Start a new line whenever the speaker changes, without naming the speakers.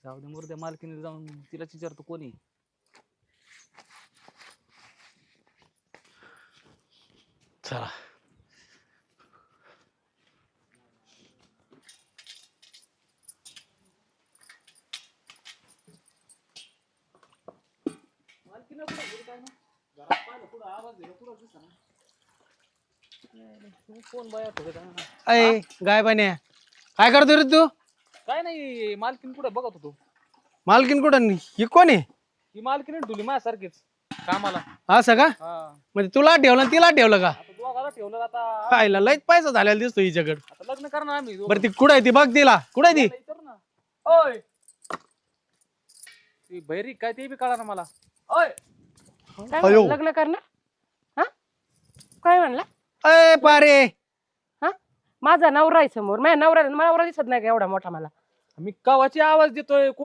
जाऊ दे मुर्द्या मालकीने जाऊन तिला विचारतो कोणी.
चला
कोण बाया
अय गाय पाण्या काय करतो रे तू?
काय नाही मालकीन कुठे बघत होतो.
मालकीन कुठं ही कोण आहे?
ही मालकीने ठेवली माझ्यासारखीच कामाला.
असं का?
हा
म्हणजे तुला ठेवलं आणि तिला ठेवलं का?
आता दोघाला ठेवलं आता.
खायला लयच पैसा झालेला दिसतो हिच्याकडे.
आता लग्न करणार आम्ही दोघं.
बरं ती कुठं आहे ती बघ तिला कुठं आहे ती?
विचार ना. ओय ती बहिरी काय ते बी कळा ना मला. ओय
काय म्हणलं, लग्न करणार? हा काय म्हणला?
अय पारे
हा माझा नवरा आहे समोर, माझ्या नवरा दिसत नाही का एवढा मोठा मला?
मी कवाची आवाज देतोय